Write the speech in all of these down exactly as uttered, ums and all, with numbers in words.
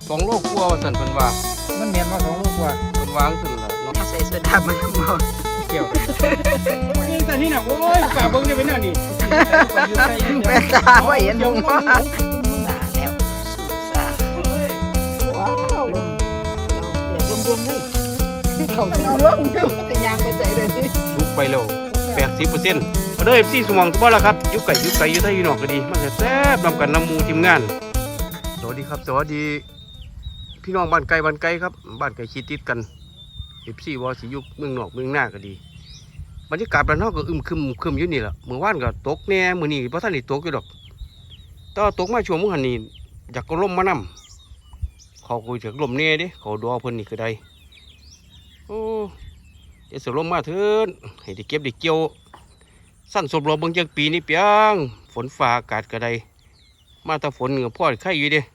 สองโลกกลัวว่าสันเพิ่นว่ามันเมียนมาสองโลกว่าเพิ่นวางซั่นล่ะเนาะใส่โซดามันเมาเกี่ยวนี่แต่นี่น่ะโอ้ยกะเบิ่งได้เป็นอันนี้แม่ตาว่าเห็นลงมาตาแล้วสาว้าวเดี๋ยวรวมๆเลยเขารวมๆจะยางไปใส่เลยนี่สุกไปแล้ว แปดสิบเปอร์เซ็นต์ มาเด้อ เอฟ ซี สมองทุกบ่ล่ะครับอยู่ไกลอยู่ไกลอยู่ไทยอยู่นอกก็ดีมันแซ่บนำกันนำหมู่ทีมงานสวัสดีครับสวัสดีพี่น้องบ้านไกลบ้านไกลครับบ้านไกลชิดติดกัน เอฟ ซี ว่าสิอยู่เมืองนอกเมืองหน้าก็ดีบรรยากาศบ้านเฮาก็อึมครึมครึมอยู่นี่ล่ะเมื่อวานก็ตกแน่มื้อนี้บ่ทันได้ตกอยู่ดอกแต่ตกมาช่วงมื้อหันนี้อยากก็ลมมานำเขาก็จะลมแน่เด้เขาดอเพิ่นนี่ก็ได้โอ้เดี๋ยวสิลมมาเถิดให้ได้เก็บได้เกี่ยวสั้นสมรบเบิ่งจังปีนี้เปียงฝนฟ้าอากาศก็ได้มาแต่ฝนก็พอไข่อยู่เด้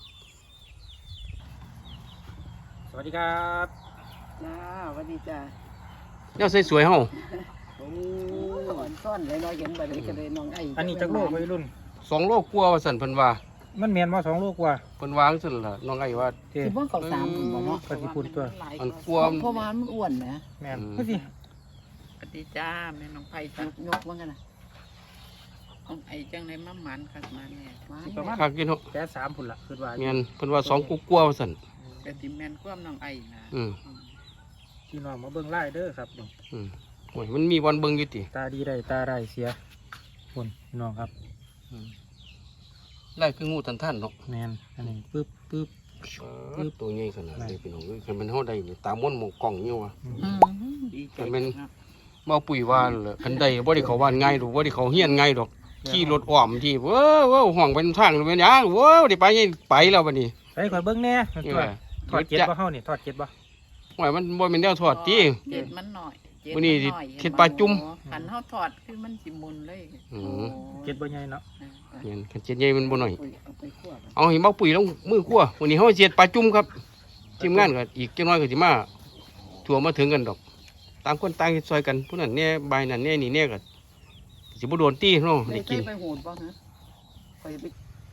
สวัสดีครับจ้าสวัสดีจ้าแนวสวยๆเฮาโอ้อ่อนซ่อนเลยเนาะเห็นบ่ได้ก็เลยน้องไอ้อันนี้จักโลกวัยรุ่นสองโลกกว่าว่าซั่นเพิ่นว่ามันเมียนมาสองโลกว่าเพิ่นวางซั่นล่ะน้องไอ้ว่าสิบ่เข้าสามบ่เนาะก็สิพูดตัวอันกลัวเพราะว่ามันอ้วนแหมแม่นคือสิสวัสดีจ้าแม่น้องไผ่จ้ายกว่ากันน่ะของไอ้จังได๋มาหมันคักมาแน่ประมาณคักกินเนาะแค่สามพุ่นล่ะคิดว่าแม่นเพิ่นว่าสองกุ๊กกว่าว่าซั่นก็สิแม่นความน้องไอ้นะอืมพี่น้องมาเบิ่งไล่เด้อครับนี่อืมโอ้ยมันมีวันเบิ่งอยู่ติตาดีได้ตาร้ายเสียพุ่นพี่น้องครับอืมไล่คืองูทันท่านเนาะแม่นอันนี้ปึ๊บปึ๊บปึ๊บตัวใหญ่ขนาดนี้พี่น้องเอ้ยคันมันเฮาได้นี่ตามม่นหมองกล้องอยู่ว่ะอืมดีใจคันมันมาปุ๋ยว่าล่ะคันใดบ่ได้เข้าบ้านง่ายดอกบ่ได้เข้าเฮียนง่ายดอกขี่รถอ้อมที่เว้อเว้อห้องเป็นทางเป็นหยังเว้อได้ไปไปแล้วบัดนี้ไปข่อยเบิ่งแน่ทอดเก็ดบ่เฮานี่ทอดเก็ดบ่โอ้ยมันบ่แม่นแนวทอดติเจ็ดมันหน่อยมื้อนี้สิเฮ็ดปลาจุ่มคันเฮาทอดคือมันสิมุนเลยอือเก็ดบ่ใหญ่เนาะแม่นคันเจ็ดใหญ่มันบ่น้อยเอาให้มาปุ๋ยลงมือคั่ววันนี้เฮาสิเฮ็ดปลาจุ่มครับทีมงานก็อีกจักหน่อยก็สิมาทั่วมาถึงกันดอกต่างคนต่างเฮ็ดซอยกันผู้นั้นแน่บายนั้นแน่นี่แน่ก็สิบ่โดนตีเนาะได้กินไปโหดบ่ฮะไปไป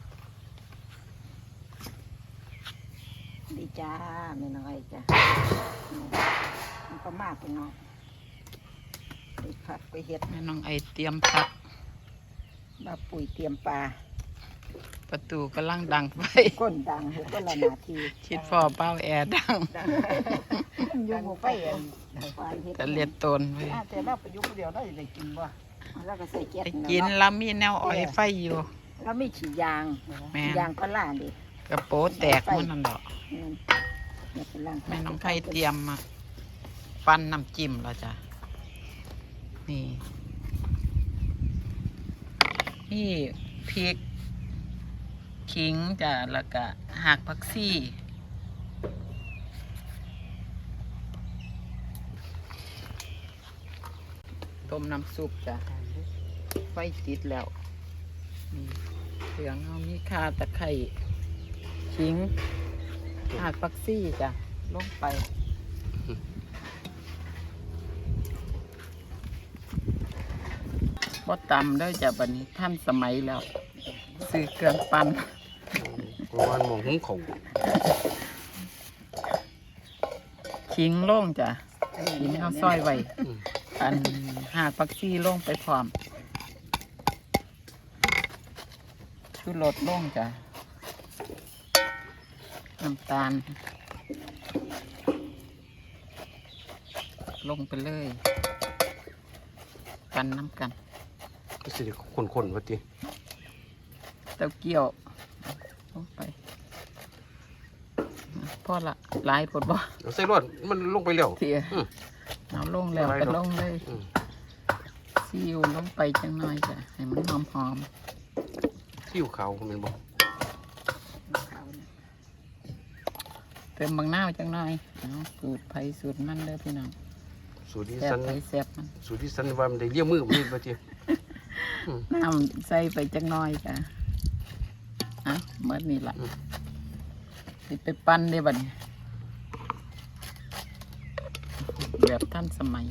ดีจ้าแม่น้องไอ้จ้ามันก็มากไปเนาะไปผัดไปเฮ็ดแม่น้องไอ้เตรียมผักมาปุ๋ยเตรียมปลาประตูกำลังดังไฟก้นดังหัวก็ละนาทีคิดพ่อเป้าแอร์ดังยุงไฟเองแต่เลียดตนไว้แต่เราไปยุงเดียวเราได้กินบ่แล้วก็ใส่แก๊สกินแล้วมีแนวอ้อยไฟอยู่แล้วมีฉีดยางยางก็ล่าดิกระโปงแตกมันนั่นดอกแม่น้องไผ่เตรียมมาปั้นน้ำจิ้มแล้วจ้ะนี่นี่พริกขิงจ้ะแล้วก็หักผักซี่ต้มน้ำซุปจ้ะไฟติดแล้วนี่เหลืองเอามีข่าตะไคร้ขิงหักผักซี่จ้ะลงไปบ่ตำได้จ้ะบัดนี้ท่านสมัยแล้วซื้อเครื่องปั่นประมาณหม้อหุงข้าวขิงลงจ้ะขิงเอาซอยไว้อันหากผักชีลงไปพร้อมชูรสลงจ้ะน้ำตาลลงไปเลยกันน้ำกันก็สิคนๆว่าติเต้าเกี้ยวลงไปพอละหลายผดบ่ใส่รสมันลงไปแล้วเถี่ยเอาลงแล้วก็ลงเลยซีอิ๊วลงไปจังหน่อยจ้ะให้มันหอมหอมซีอิ๊วขาวมันบ่เติมบางหน้าจังหน่อยสูตรไผ่สูตรมันเลยพี่น้องสูตรที่สันแซ่บมันสูตรที่สันว่ามันได้เลี้ยมือมันว่าติน้ำใส่ไปจังหน่อยจ้ะอ่ะเมื่อนี่ล่ะสิไปปั้นได้บัดนี้แบบท่านสมัย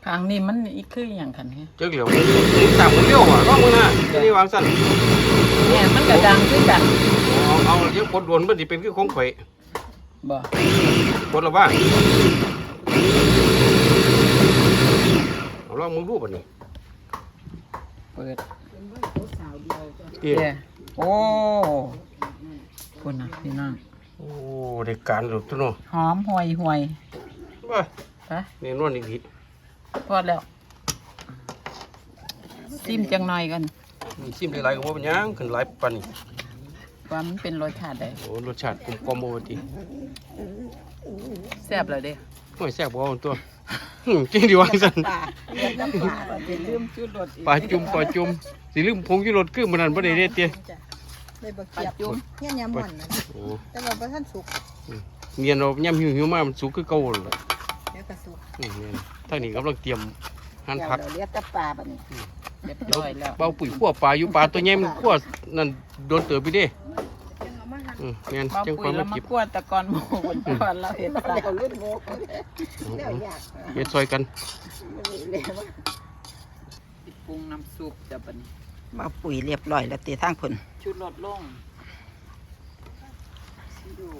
ทางนี้มันอีกคืออย่างคันเนี่ยเจ้าเหลียวสามคนเลี้ยวอ่ะร้องมึงนะจะได้วางสั้นเนี่ยมันกระดังคือกันเอาเอาเดี๋ยวกดโดนมันสิเป็นคือของข่อยบ่กดแล้วว่าเอาลองมึงดูป่ะนี่เปิดเตี้ยเด้โอ้พุ่นน่ะพี่น้องโอ้ได้การหลุดตัวเนาะหอมห่วยห่วยว่าไปนี่นวลอีกทีพอแล้วซิมจังหน่อยกันมีชิมหลายๆก็บ่เป็นหยังขึ้นหลายปานนี่ว่ามันเป็นรสชาติใดโอ้รสชาติกลมกล่อมบ่ว่าติแซ่บเลยเด้โอ้ยแซ่บบ่เอาตัวหึจริงดิวางซั่นปลาเรียกน้ำปลาว่าเป็นลืมชุดรสอีกปลาจุ่มปลาจุ่มสิลืมผงชูรสคือมันนั่นบ่ได้เด้เตี้ยได้บะเกียบจุ่มเงี้ยยำมันนะโอ้แต่ว่าบ่ทันสุกเมียนเอาย่ำหิวๆมามันสุกคือเก่านั่นล่ะเดี๋ยวก็สุกนี่แม่นทางนี้กำลังเตรียมหั่นผักเดี๋ยวเรียกแต่ปลาบัดนี้เรียบร้อยแล้วเบาปุ๋ยขั่วปลาอยู่ปลาตัวใหญ่มันขั่วนั่นโดนเติบไปเด้จังเอามาหั่นอืมแม่นมาจังคปุ๋วาย มแล้มาวมาเก็บกวนตะกอนหมูบนก่อนเราเห็นปลาเดี๋ยวรุ่นโมกแล้วอยากเฮ็ดซอยกันเลยว่าสิปรุงน้ำซุปจะเป็นมาปุ๋ยเรียบร้อยแล้วตีทางผลชุดรสลงซีอิ๊ว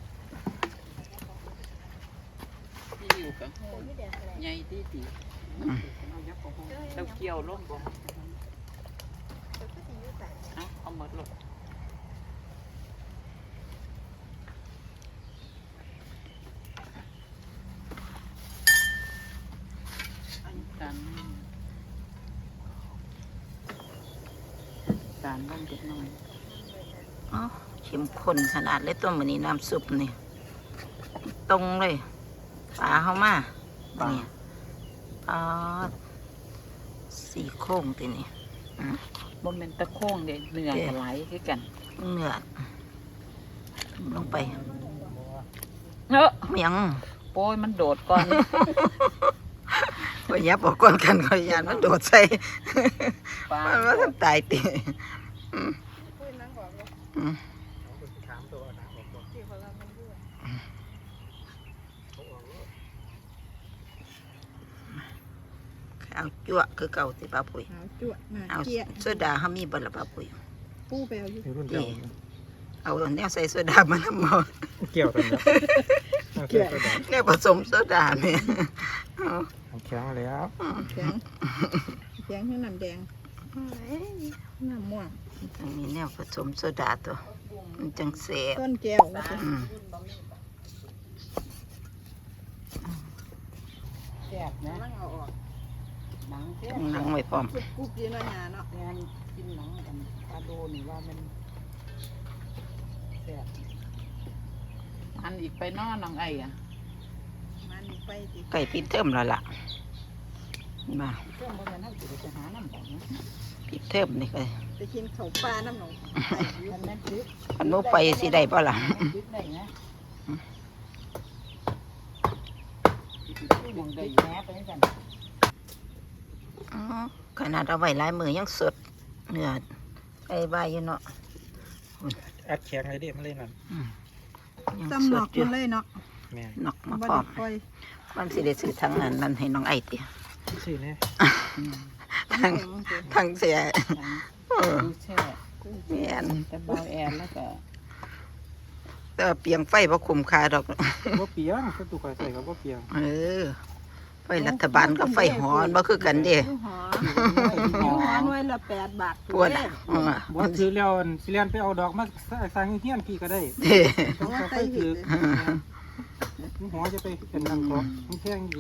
ซีอิ๊วกันใหญ่ดีดีเต้าเกี๊ยวลงบ่เอาเอาหมดลงกันการบ้างเล็กน้อยอ๋อเข้มข้นขนาดเลยตัวมันนี้น้ำซุปนี่ตรงเลยปลาเข้ามาบัดนี่ปลาสี่โค้งตีนี่บ่แม่นตะโค้งเด้เนื้อก็ไหลคือกันเนื้อลงไปเอ้อเมียงโป้ยมันโดดก่อนก็ยับออกก่อนกันก็ยานมันโดดใส่ปลามันว่าทำตายตีอืมอืมเอาจั่วคือเก่าสิป้าปุ๋ยเอาจั่วมาเอาเกียโซดาเขามีบ่ละป้าปุ๋ยปูไปเอาอยู่รุ่นดีเอาแนวใส่โซดามันน้ำมันเกี่ยวกันครับเกียแนวผสมโซดาเนี่ยเอาแข็งแล้วแข็งแข็งให้น้ำแดงน้ำม่วงต้องมีแนวผสมโซดาตัวมันจังเสียบต้นแก้วว่าจะอืมแซ่บนะนั่งเอาออกหนังแซ่บต้องนั่งไว้พร้อมกุบกุบยีน้อยหนาเนาะแม่นกินหนังกันปลาโดนี่ว่ามันแซ่บอันอีกไปนอนน้องไอ้อะมันไปสิไก่ปิดเทิมแล้วล่ะมาเครื่องบ่แม่นเฮาสิไปหาน้ำบ่นะปิดเทิมนี่ก็ไปกินข้าวปลาน้ำหนองไก่อยู่มันแม่นตึกมันโมไปสิได้ป่ะล่ะตึกได้นะมองได้แม่ไปกันอ๋อขนาดเอาไว้หลายมือยังสดเนื้อไอ้ใบอยู่เนาะอัดแข็งเลยเด็มันเลยนั่นยังจำหสนอดกอยู่มันเลยเนาะแม่นนอกมาบ่พร้อได้มปล่อยมันสิได้ซื้อทางนั้นนั่นให้น้องไอ้ติชื่อเนี่ยทางทางเสียเออดูแช่แม่นแต่เบาแอนแล้วก็แต่ว่าเปียงไฟบ่คุ้มค่าดอกว่าเปียงก็ตุกใส่กับว่าเปียงเออไฟรัฐบาลกับไฟหอนบ่คือกันเด้หอหอหน่วยละแปดบาทปวดอ่ะเออบ่ซื้อแล้วสิเลียนไปเอาดอกมาสร้างเฮียนพี่ก็ได้เด้เพราะว่าใส่ถืหิอดหัวจะไปเป็นนังกอกมันแพงดี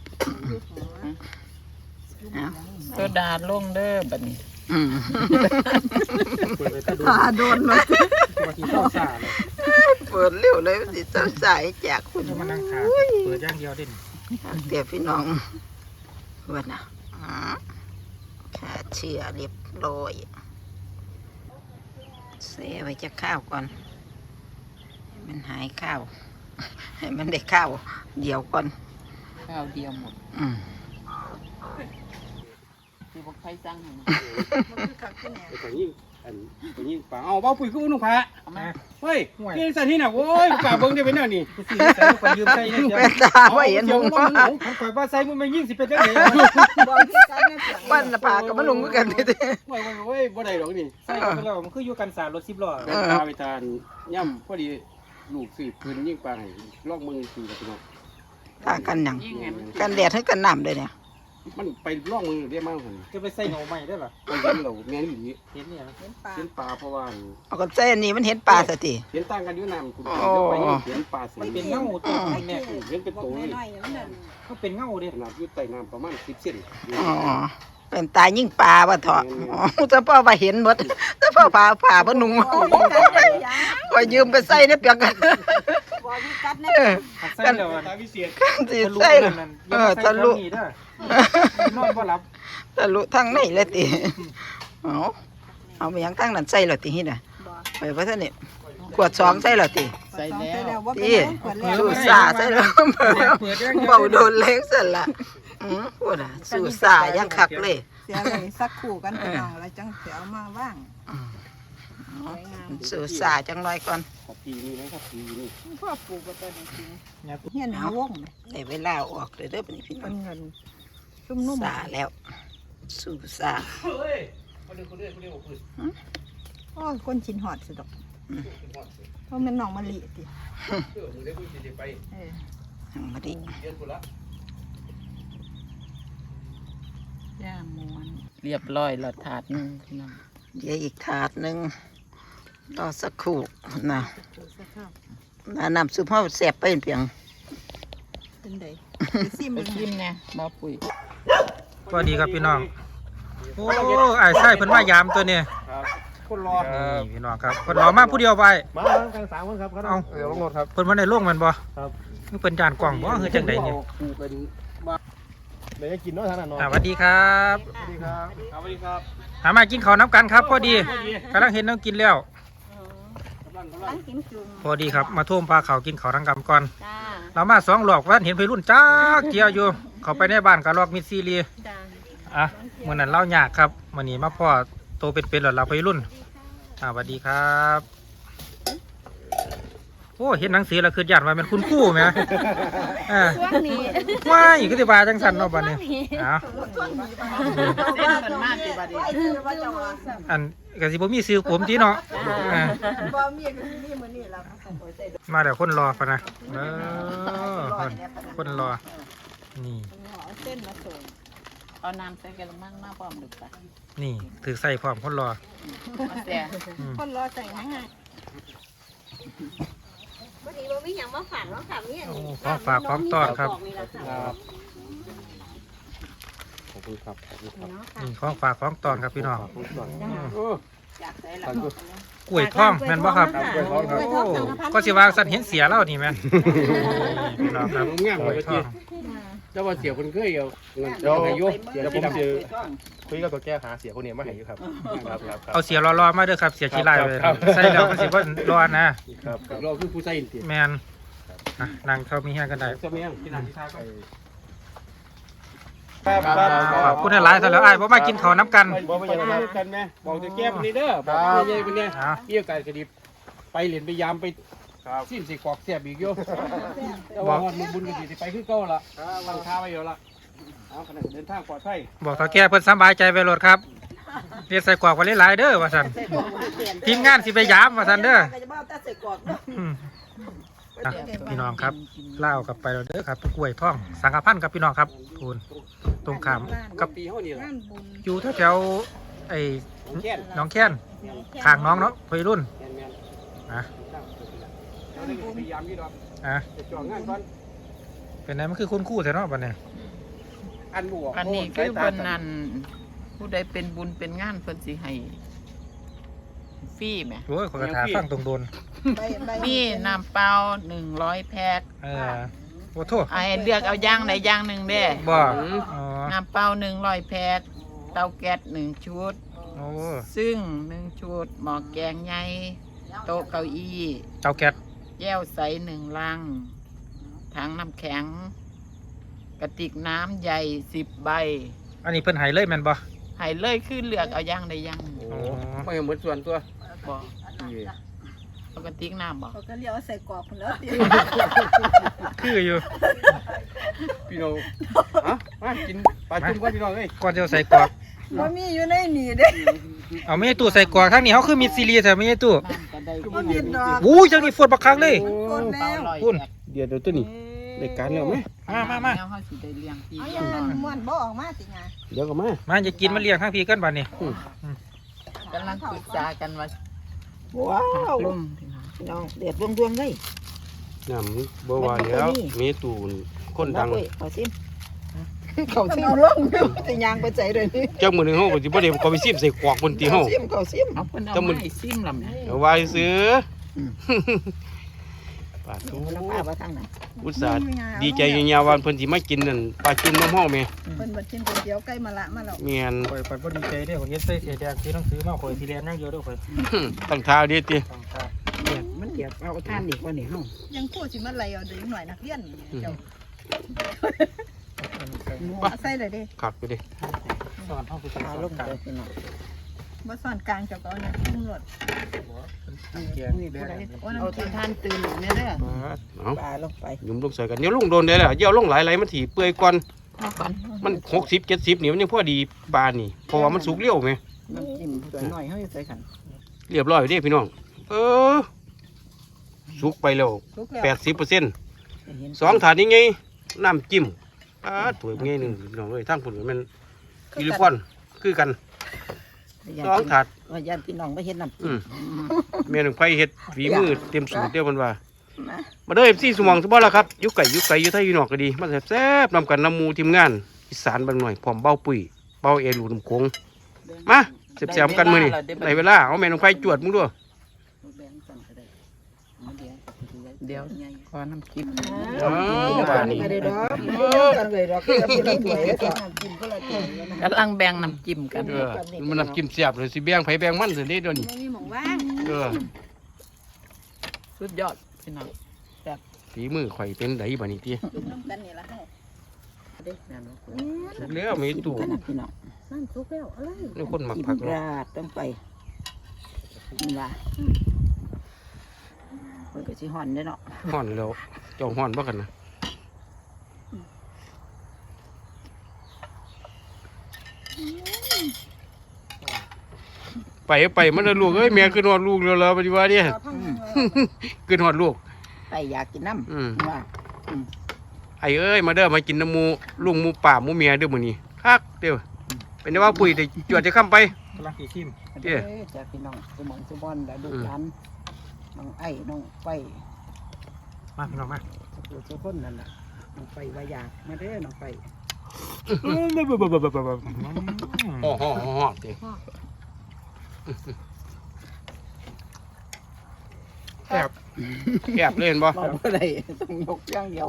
เอาโซดาลงเด้อบัดนี้อืมเปิดไปก็ดูตาโดนมาตัวที่เข้าซ่าเลยเปิดเร็วเลยมันสิเจ้าสายจากคุณจะมานั่งขาเปิดอย่างเดียวเด่นเดี๋ยวพี่น้องว่านะอ๋อขาเชื่อเรียบร้อยเสียไว้จะข้าวก่อนให้มันหายข้าว ให้มันได้ข้าวเดี๋ยวก่อนข้าวเดียวหมดอืมคือบอกใครสั่งให้นะมันคือคักที่แหนแต่ยิ่งอันตัวนี้ป่าเอาเบ้าปุ๋ยขึ้นนุ่งผ้าเอามาเฮ้ยนี่สันนี่น่ะโอ้ยป่าเบิ้งได้เป็นแนวนี้กูสิใส่กูยืมใส่เนี่ยแม่ตาว่าเห็นหงว่ามันข่อยว่าใส่มึงไม่ยิ่งสิเป็นจังได๋บอกที่กันนะเสียงปั้นน่ะปากกับมันลงกันนี่ติโอ้ยโอ้ยบ่ได้ดอกนี่ใส่กันไปแล้วมันคืออยู่กันสารรถสิบล้อแม่ตาไปทานย่ำพอดีลูกสืบพื้นยิ่งปลาให้ลอกมือคือกับพี่น้องตากันหยังยิ่งไงมันกันแดดให้กันน้ำเลยเนี่ยมันไปลอกมือได้มากหันจะไปใส่เงาใหม่ได้หรอไปเห็นเราแม่นอีหลีเห็นเนี่ยเห็นปลาเห็นปลาเพราะว่าเอากันใส่อันนี้มันเห็นปลาซะติเห็นต่างกันอยู่น้ำคุณอ๋อเดี๋ยวไปนี่เห็นปลาสีเป็นเงาตัวเนี่ยเห็นเป็นบอกตัวเลยน้อยๆอย่างนั้นเขาเป็นเงาเด้ขนาดอยู่ใต้น้ำประมาณสิบเซนอ๋อเป็นตายิ่งปลาบ่เถาะอ๋อแต่พ่อว่าเห็นหมดแต่พ่อพาผ่าบ่นุ่งก็ยืมไปใส่ในเปียกกันบอกที่กัดนะเออใส่แล้วตาวิเศษสิใส่ล่ะเออทะลุนอนบ่หลับทะลุทางไหนเลยติเอาเอาไปยังทางนั้นใส่แล้วติฮิน่ะบอกไปว่าท่านนี่ขวดสองใส่แล้วติใส่แล้วว่าเป็นติขวดแล้วสู้ซาใส่แล้วเบาโดนเล็กสั่นล่ะอือพูดอ่ะสู้ซายังคักเลยเสียเลยสักคู่กันพี่น้องแล้วจังเสียเอามาว่างสวยงามสู้ซาจังหน่อยก่อนขอบปีนี้นะครับปีนี้พ่อปลูกก็ตัวจริงเฮียนหาวงได้เวลาออกเลยเด้อบัดนี้พี่น้เป็องนเงินชุ่มนุ่มซาแล้วสู้ซาเฮ้ยคนเดียวคนเดียวคนเดียวพื้นโอ้ยคนชินหอดสุดดอกเพราะมันหนองมะลิติเออมึงได้พื้นจะไปเออทางมาดิเดือนกุละย่าม้วนเรียบร้อยแล้วถาดหนึงพี่น้องเดี๋ยวอีกถาดหนึงรอสักครู่นะปลูกสักข้าวน้ำน้ำซุปเฮาแซ่บไปเพียงเป็นไดซิมไปเลยกินเนี่ยบ่ปุ๋ยสวัสดีครับพี่น้องโอ้ไอ้ใส่เพิ่นมายามตัวนี้ครับคนรอนี่พี่น้องครับเพิ่นรอมาผู้เดียวไปมากันสามคนครับเอาเดี๋ยวลงรถครับเพิ่นบ่ได้ลงแมันบ่ครับคือเพิ่นจานกล่องบ่คือจังไดเนี่ยปูเป็นบ้าเดี๋ยวจะกินเนาะท่านน่ะเนาะอ่าสวัสดีครับสวัสดีครับสวัสดีครับหามากินข้าวน้ำกันครับพอดีกำลังเห็นน้องกินแล้วกำลังกำลังตั้งกินจุ่มพอดีครับมาท่วมปลาเขากินข้าวทั้งกำก่อนจ้าเรามาสองหลอกว่าเห็นไปรุ่นจ้าเกียวอยู่ เขาไปในบ้านกับลอกมิดซีรีจ้าอ่ะเมื่อนั้นเล่ายากครับวันนี้มาพ่อโตเป็นๆหลอดเราไปรุ่นอ่าสวัสดีครับโอ้เห็นหนังสือแล้วคือญาติว่าเป็นคุณครู่ไหมอ่าช่วงนี้ว้ายคือที่บาจังสันเนาะบัดนี้อ้าวเส้นมันมากที่บัดนี้อันกสิบ่มีซื้อผมทีเนาะอ่าบ่มีก็มีมื้อนี้ล่ะมาเดี๋ยวคนรอปะนะเออคนคนรอนี่เอาเส้นมาส่งเอาน้ำใส่กระมังมาพร้อมดึกปะนี่ถือใส่พร้อมคนรอมาแซ่อืมคนรอใส่ง่ายวันนี้เราไม่ยังมาฝันว่าค่ะเนี่ยโอ้ของฝากของต้อนครับครับขอบคุณครับขอบคุณครับนี่ของฝากของตอนครับพี่น้องขอบคุณก่อนอืมโอ้อยากใส่ละขอบคุณกล้วยท่องแม่นบ่ครับกล้วยทองครับโอ้ก็สิว่าสันเห็นเสียแล้วนี่แม่นพี่น้องครับงามกเลล้วยยท่องเจ้าว่าเสียคนเคยเอาเงินเดี๋ยวอายุเดี๋ยวผมจะคุยกับตัวแก้หาเสียคนนี้มาให้อยู่ครับครับครับครับเอาเสียรอๆมาเด้อครับเสียขี้ลายเลยครับใส่แล้วก็สิบ่รอนะครับครับเราคือผู้ใส่อินเดียแม่นอ่ะนั่งเข้ามีแห้งกันได้เจ้าเมียงที่นั่นที่ท่าก็ครับครับขอบคุณหลายๆซะแล้วอ้ายบ่มากินข้าวน้ำกันบอกไปยังไงครับกันไหมบอกจะแก้คนนี้เด้อบอกเย่คนนี้อ่ะเกี่ยวกับคดีไปเหรียญไปยามไปสิ้นสิกอกเสียบอีกโยแต่ว่าฮอดมือบุญกันสิไปขึ้นเก้าละวางท่าไว้เยอะละเอาขนาดเดินทางปลอดภัยบอกถ้าแก่เพิ่นสำบายใจไปโลดครับเรียกใส่กรอกไว้หลายๆเด้อว่าซั่นทีมงานสิไปยามว่าซั่นเด้อก็จะบ่เอาแต่ใส่กรอกเนาะอืมอ่ะพี่น้องครับเล่าวกลับไปแล้วเด้อครับกล้วยท่องสังฆพันธ์ครับพี่น้องครับคูณตรงขามกับปีเขานี่แหละงานบุญอยู่แถวๆไอ้แค่นหน้องแค้นข้างน้องเนาะวัยรุ่นแม่นแม่นอ่ะเราได้พยายามยี่ดอกอ่ะจะจ่องานก่อนเป็นไงมันคือคุณครู่แถวเนาะบัดนี้อันบวกอันนี้คือเพิ่นนั่นผู้ใดเป็นบุญเป็นงานเพิ่นสิให้ฟรีแหมโอ้ยขอกระถาฟังตรงโดนใบใบมีน้ำเปล่าหนึ่งร้อยแพ็คเออโอ้โทษไอ้เลือกเอาอย่างใดอย่างหนึ่งเด้บ่อ๋อน้ำเปล่าหนึ่งร้อยแพ็คเตาแก๊สหนึ่งชุดโอ้ซึ่งหนึ่งชุดหม้อแกงใหญ่โต๊ะเก้าอี้เจ้าแก๊สแก้วใสหนึ่งลังถังน้ำแข็ง กระติกน้ำใหญ่สิบใบอันนี้เพิ่นให้เลยแม่นบ่ให้เลยคือเลือกเอาอย่างใดอย่างหนึ่งโอ้อ๋อไม่เหมือนส่วนตัวบ่ปกติน้ำบ่เขาก็เลี้ยวใส่กรอบคนแล้วเดียวคืออยู่พี่น้องอ่ะมากินปลาจุ่มก่อนพี่น้องเอ้ยก่อนจะเอาใส่กรอกมันมีอยู่ในนี่เด้เอาไม่ให้ตู้ใส่กรอกทั้งนี้เขาคือมีซีรีส์แต่ไม่ให้ตู้น้ำก็ได้มันมีดอกอู้ยจังนี่ฝนบักคักเลยคนแล้วคุณเดี๋ยวเดี๋ยวตัวนี้ได้การแล้วไหมมามามาแล้วเฮาสิได้เลี้ยงพี่เอาอย่างนั้นม้วนบ่ออกมาสิไงเดี๋ยวก็มามาจะกินมาเลี้ยงทั้งพี่กันบัดนี้กำลังปรึกษากันว่าว้าวลมพี่น้องพี่น้องเดือดรวมๆเลยน้ำบัวาแล้วมีตูนคนดังเว้ยเขาซิมเขาซิมลงจะยางไปใจเลยนี่เจ้ามือหนึ่งเขาก็สิบ่ได้ก็ไปซิมใส่กวากบนตีเฮาซิมเขาซิมเอาเพิ่นเอาแต่มันไม้ซิมลำเนี่ยเอาไว้ซื้อปลาทูมันป้าว่าทางไหนอุตส่าห์ดีใจยาวๆวันเพิ่นสิมากินนั่นปลาจุ่มน้ำเฮาแม่เพิ่นบัดกินก๋วยเตี๋ยวไก่มะละมาแล้วเมียนข่อยข่อยบ่ดีใจเด้อข่อยเฮ็ดใส่เสียแดงที่ต้องซื้อมาข่อยสิเรียนนั่งเยอะเด้อข่อยตั้งท่าดีติต้องทาเดือดมันเดือดเอาท่านอีกว่านี่เฮายังพูดสิมาไล่เอาเด็กหน่อยนักเรียนนี่เจ้าปะเอาใส่เลยเด้ขัดไปดิสอนเฮาคือสอนเอาลลงงกันเลยพี่น้องบ่ซ่อนกลางเจ้าก็เอาเนี่ยทุ่มรถแกงนี่แดผู้ใดงโอ้เอาน้ำที่จิ้มท่านตื่นเนี่ยเด้อเอาปลาลงไปยุ่มลงใส่กันเดี๋ยวลงโดนได้แล้วเดี๋ยวลงหลายไหลมันถี่เปื่อยก่อนเอาก่อนมันหกสิบเจ็ดสิบนี่มันยังพอดีปลานี่เพราะว่ามันสุกเร็วไหมน้ำจิ้มตัวหน่อยเฮ้ยใส่ขันเรียบร้อยเด้พี่น้องเออสุกไปแล้วทุกแล้วแปดสิบเปอร์เซ็นต์สองถาดนี้ไงน้ำจิ้มอ่าถั่วไงหนึ่งพี่น้องเลยทั้งผลมันกิริพอนคือกันสองถาดว่าญาติพี่น้องไม่เห็นน้ำอืจิ้มมเมียหนึ่งไฟเฮ็ดฝีมือเต็มสูตรเดียวมันว่า มาเด้อเอฟซีสมองสบอละครับอยุไก่อยุไก่อยุไทยอยุนอกก็ดีมาแซ่บๆนำกันนำหมูทีมงานอีสานบางหน่อยพร้อมเบ้าปุ๋ยเบ้าเอรูน้ำโขงมาเสียบๆกันมือนี่ในเวลาเอาแม่นองไฟจวดมึงด้วยเดี๋ยวขอน้ำจิ้มอ๋อบ้านนี้ไม่ได้ดอกกันเลยดอกคือเป็นถ้วยแล้วก็กินก็ละถ้วยนะกำลังแบ่งน้ำจิ้มกันเออมันน้ำจิ้มเสียบเลยสิแบ่งไผแบ่งมันสิเด้เดี๋ยวนี้ไม่มีหม่องว่างเออสุดยอดพี่น้องฝีมือข่อยเป็นไดบัดนี้ติจุ่มน้ำกันนี่ละเฮาเด็กนั่นสุกแล้วมีตู้ขนาดพี่น้องน้ำซุปแล้วอะไรนี่คนมักผักเนาะราดต้องไปนี่ว่ามันก็สิห่อนเด้อเนาะฮ้อนแล้วเจ้าฮ้อนบ่กันนะไปไปมันน่ะลูกเอ้ยแม่ขึ้นฮอดลูกแล้วล่ะบัดนี้ว่าเด้เอาพังยังไงขึ้นฮอดลูกไปอยากกินน้อืมำว่าไอ้เอ้ยมาเด้อมากินน้ำหมูลุงหมูป่าหมูเมียเด้อมื้อนี้คักเด้อเป็นได้ว่าปุ๋ยได้จวดจะค้ำไปกำลังสิชิมเด้อจากพี่น้องสมองสมบอนแล้วดูร้านน้องไอ้น้องไฟมาพี่น้องมาสุสุคนนั่นแหละน้องไฟว่าอยากมาเด้อน้องไฟโอ้โหโอ้โหเด้อแอบแอบเลยเห็นบ่บอกว่าไรต้องยกอย่างเดียว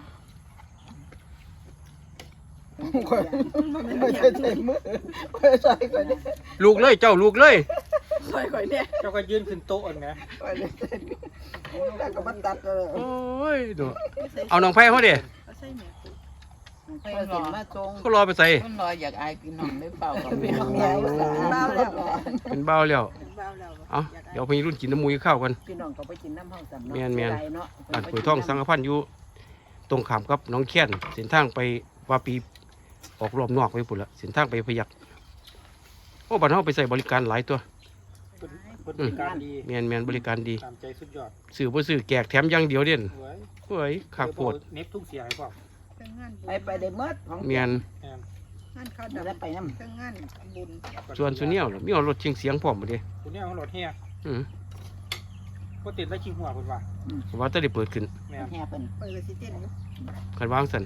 ไม่ใช่ใช้มือไม่ใช่ก่อนเนี่ยลูกเลยเจ้าลูกเลยใช่ก่อนเนี่ยเจ้าก็ยืนขึ้นโต๊ะอันนะก่อนเนี่ยแล้วก็มาตัดเลยโอ้ยดูเอาน้องไผ่เฮาเด้เอาใส่แม่ปุ๊บไปสิมาจงเขารอไปใส่ต้นรอยอยากอายพี่น้องได้เปล่ากับพี่พี่น้น้ออง งใหญ่สาเบาแล้วเป็นเบาแล้วเป็นเบาแล้วเอาเดี๋ยวพี่รุ่นกินน้ำหมูข้าวกันพี่น้องก็ไปกินน้ำห้องสำนักแม่นแม่นเนาะบ้านปุ๋ยท่องสังกพันธ์อยู่ตรงขามกับน้องแค้นเส้นทางไปว่าปีออกรอบนอกไปปุ่นละเส้นทางไปพยักโอ้บ้านเฮาไปใส่บริการหลายตัวบริการดีแม่นแม่นบริการดีตามใจสุดยอดซื้อบ่ซื้อแจกแถมอย่างเดียวเด่นสวยเฮ้ยขากโพดเน็บทุกเสียให้พ่อเครื่องงานบุญไปไปได้เมื่อของแม่นแอนงานข้าวได้ดำไปน้เครื่องงานบุญส่วนสุเนียวล่ะมีเอารถเชียงเสียงพร้อมบ่เด้ตัวนี้ของรถเฮียอือก็ติดได้ชิงหัวคนว่าว่าจะได้เปิดขึ้นแม่ำแห่เป็นเปิดเลยสิเต้นอยู่คันวางสั่น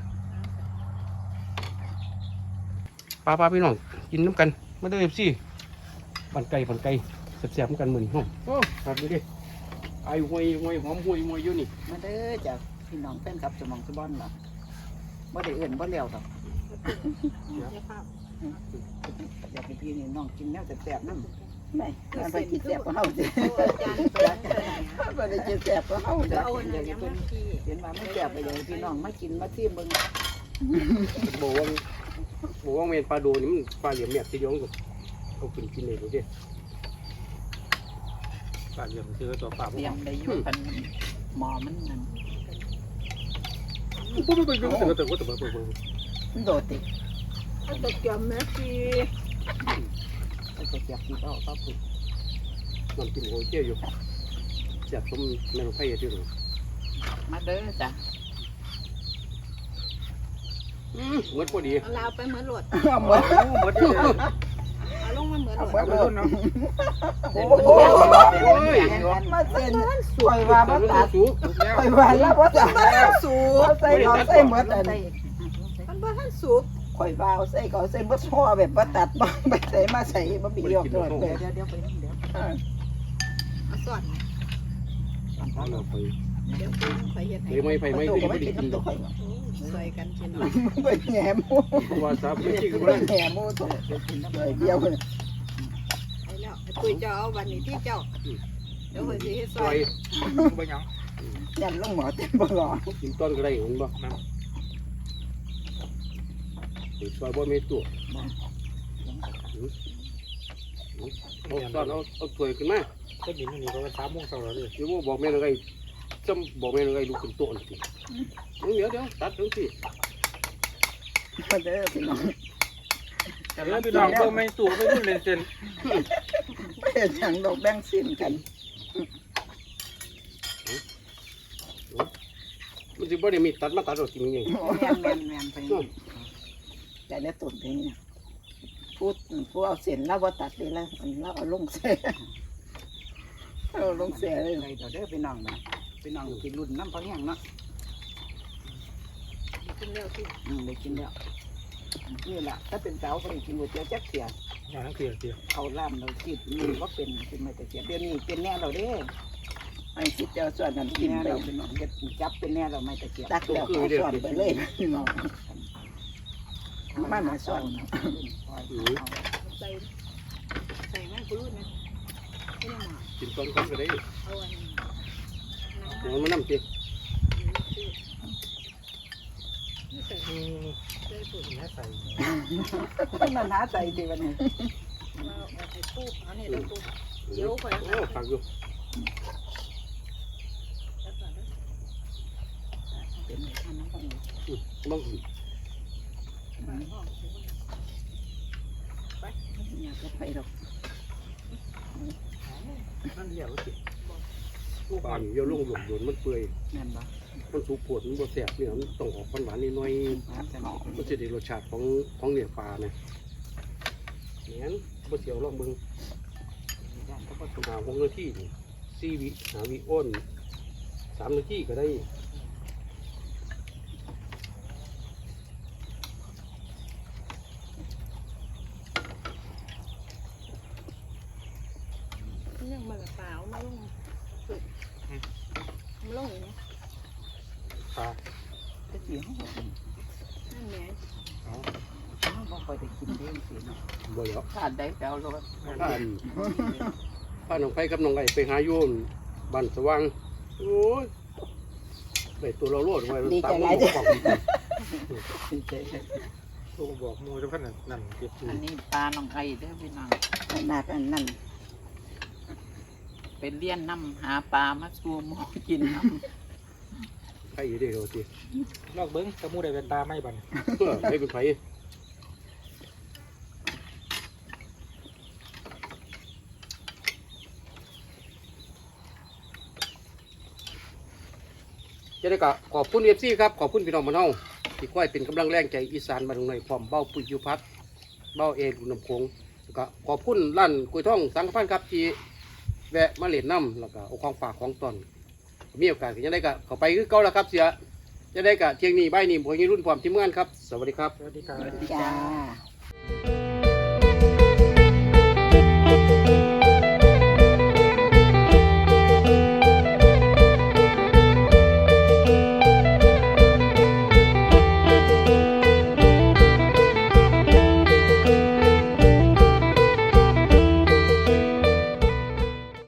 ป้าป้าพี่น้องกินน้ำกันมาเด้อ เอฟ ซีปั่นไก่ปั่นไก่แซ่บๆเหมือนกันมื้อนี้ฮ้โอ้ครับนี่เด้ไอ้ห้วยห้วยหอมห้วยห้วยอยู่นี่มาเด้อจากพี่น้องแฟนคลับสมองสมบอนเนาะบ่ได้เอื่นบ่เลี้ยวดอกอยากไปพี่นี่น้องกินแนวแซ่บๆนั่นไม่ไปกินแซ่บกว่าเฮาสิบ่ได้กินแซ่บกว่าเฮาจ้ะเอาเนี่ยยังมาพี่เห็นว่ามันแซ่บไปเลยพี่น้องมากินมาซิมเบิ่งบอกว่าบอกว่าเมนปลาโดนี่มันปลาเหลี่ยมแมบที่ย้องกับเอาขึ้นกินเลยดูดิปลาเหลี่ยมคือตัวปลาเลี้ยงได้อยู่กันหมอมันนั่นปุ๊บปุ๊บปุ๊บปุ๊บปุ๊บปุ๊บปุ๊บปุ๊บปุ๊บมันโดดติเอาตะเกียบแม่สิก็จะเก็บที่เอาก็ปุ๊บน้ำจิ้มโอเคอยู่แซ่บสมแม่นไผ่ที่หนูมาเด้อจ้ะอืมเหมือนพอดีเอาลาวไปเหมือนหลวดเอาหมดเหมือนที่เอาลงมาเหมือนหเอาลวดหมดเลยโอ้โอ้โหโหมาเซ็นสวยว่าบ่ตัดสูงสวยว่าแล้วบ่ตัดสูเอาใส่เอาใส่หมดอันมันบ่ทันสุกข่อยว่าเอาใส่ก็เอาใส่บ่ห่อแบบบ่ตัดบ่ไปใส่มาใส่บ่บีออกตลอดเลยเดี๋ยวเดี๋ยวไปเดี๋ยวเอาสอดเอาเราไปเดี๋ยวคุณข่อยเฮ็ดให้เดี๋ยวไม่ไผ่ไม่ตัวที่ก็ไม่ไม่ได้กินกินตัวข่อยใส่กันกินไปแหนมเพราะว่าสามไม่กินก็ไปไม่ได้แหนมตัวเลยเดียวเลยไอ้แล้วไอ้ปุ้ยเจ้าเอาวันนี้ที่เจ้าเดี๋ยวข่อยสิเฮ็ดซซออย ยบ่ยังยันลงหมอเต็มบ่รอกินต้นก็ได้เห็นบ่ซอยบ่มีตัวเอาตอนเอาเอาถ้วยขึ้นมาก็บินนี่ก็ว่าสามโมงเช้าแล้วเลยเดี๋ยวบอกแม่อะไรจำบอกแม่อะไรลูกขึ้นโต๊ะนี่สิเดี๋ยวเดี๋ยวตัดถึงสิมาเด้อพี่น้องแต่แล้วพี่น้องก็ไม่ตู่ไม่รุ่นเลยเซนไม่เห็นอย่างดอกแบงสิ้นกันมันสิบ่ได้มีตัดมาตัดเอาจริงยังแม่นแม่นแม่นไปแต่ในตุ่นเพลงเนี่ยพูดพูดเอาเส้นแล้วว่าตัดเลยแล้วแล้วเอาลงเสียเอาลงเสียเลยเดี๋ยวเด้อพี่น้องนะพี่น้องกินรุ่นน้ำพะแห้งเนาะกินแล้วสิอืมได้กินแล้วนี่แหละถ้าเป็นเจ้าก็ได้กินก๋วยเตี๋ยวแจ๊กเสียอย่างนั้นเกลียดเกลียดเอาล่ามเราคิดนี่ก็เป็นเป็นไม่แต่เสียเดี๋ยวนี้เป็นแน่เราเด้อไอ้ที่เจ้าส่วนนั้นกินแน่ไปเราเป็นน้องเด็ดจับเป็นแน่เราไม่แต่เสียตักแล้วก็ส่วนไปเลยพี่น้องมามาส่วนใส่ใส่แม่กูรู้นะไม่ได้หมากินต้นเขาก็ได้เอาอันนี้เดี๋ยวมันน้ำตินี่ใส่อืมใส่ปุ๋ยแม่ใส่มันหาใจดีวันนี้มาเอาไอ้ปูเอานี่แล้วปูเดี๋ยวข่อยโอ้ผักอยู่เป็นไม่ทันน้ำของบ้างอยากจะไปหรอกนั่นเดียวสิปลาอยู่เยอะลงหลุมโดนมันเปื่อยนั่นบ่มันสุกปวดมันบ่แสบเนี่ยมันต้องออกหวานๆนิดหน่อยมันจะหอมมันจะได้รสชาติของของเนื้อปลาเนี่ยเนี่ยบ่เสียวลองเบิ่งด้านก็บ่หาหกนาทีสี่วิหาวิอ้นสามนาทีก็ได้เนี่ยมันเปล่ามาลงฝึกมาลงอย่างนี้ปลาจะเสียงหอมนั่นแหละบ่ค่อยได้กินเองสิเนาะบ่แล้วขาดได้แปลวรถป้านป้าน้องไผ่กับน้องไก่ไปหาโยนบ้านสว่างโอ้ยได้ตัวเราโลดไว้ตามมันบอกตัวบอกมูจะพันนั่นเก็บอันนี้ปลาน้องไอ้เด้อพี่น้องขนาดนั้นนั่นเป็นเลี้ยนน้ำหาปลามาสู่หมูกินน้ไผ่ได้โรตีลอกเบิ้งตะมูได้เป็นตาไม่บันเออไผ่เป็นไผ่จะได้ก็ขอบคุณเอฟซีครับขอบคุณพี่น้องมานเฮาที่ค่อยเป็นกำลังแรงใจอีสานบ้านตรงไหนพร้อมเบ้าปุยยุพัฒน์เบ้าเอรุนำโขงแล้วก็ขอบคุณร้านกล้วยทองสังฆพันธ์ครับที่แวะมาเล่นน้ำแล้วก็เอาของฝากของตอนมีโอกาสก็จะได้ก็เข้าไปคือเก่าแล้วครับเสียจะได้ก็เที่ยงนี้บ่ายนี้ผมยังรุ่นพร้อมทีมงานครับสวัสดีครับสวัสดีครับจ้า